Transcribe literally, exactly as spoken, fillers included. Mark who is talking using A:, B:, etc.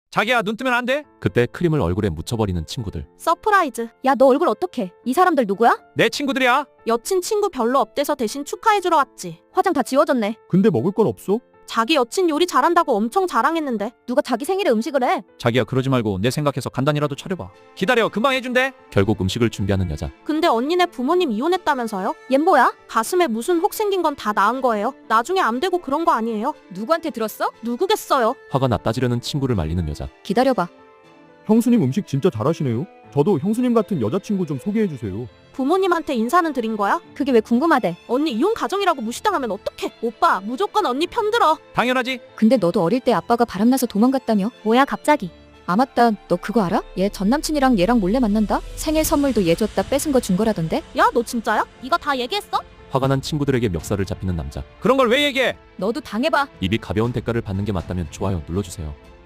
A: 자기야, 눈 뜨면 안 돼?
B: 그때 크림을 얼굴에 묻혀버리는 친구들.
C: 서프라이즈. 야, 너 얼굴 어떡해? 이 사람들 누구야?
A: 내 친구들이야.
C: 여친 친구 별로 없대서 대신 축하해주러 왔지.
D: 화장 다 지워졌네.
E: 근데 먹을 건 없어?
C: 자기 여친 요리 잘한다고 엄청 자랑했는데.
D: 누가 자기 생일에 음식을 해?
A: 자기야, 그러지 말고 내 생각해서 간단히라도 차려봐. 기다려, 금방 해준대.
B: 결국 음식을 준비하는 여자.
C: 근데 언니네 부모님 이혼했다면서요?
D: 얜 뭐야?
C: 가슴에 무슨 혹 생긴 건 다 나은 거예요. 나중에 암 되고 그런 거 아니에요?
D: 누구한테 들었어?
C: 누구겠어요?
B: 화가 나 따지려는 친구를 말리는 여자.
D: 기다려봐.
E: 형수님 음식 진짜 잘하시네요. 저도 형수님 같은 여자친구 좀 소개해주세요.
C: 부모님한테 인사는 드린 거야?
D: 그게 왜 궁금하대?
C: 언니 이혼 가정이라고 무시당하면 어떡해? 오빠 무조건 언니 편들어.
A: 당연하지.
D: 근데 너도 어릴 때 아빠가 바람나서 도망갔다며? 뭐야 갑자기? 아 맞다, 너 그거 알아? 얘 전남친이랑 얘랑 몰래 만난다? 생일 선물도 얘 줬다 뺏은 거 준 거라던데?
C: 야, 너 진짜야? 이거 다 얘기했어?
B: 화가 난 친구들에게 멱살을 잡히는 남자.
A: 그런 걸 왜 얘기해?
D: 너도 당해봐.
B: 입이 가벼운 대가를 받는 게 맞다면 좋아요 눌러주세요.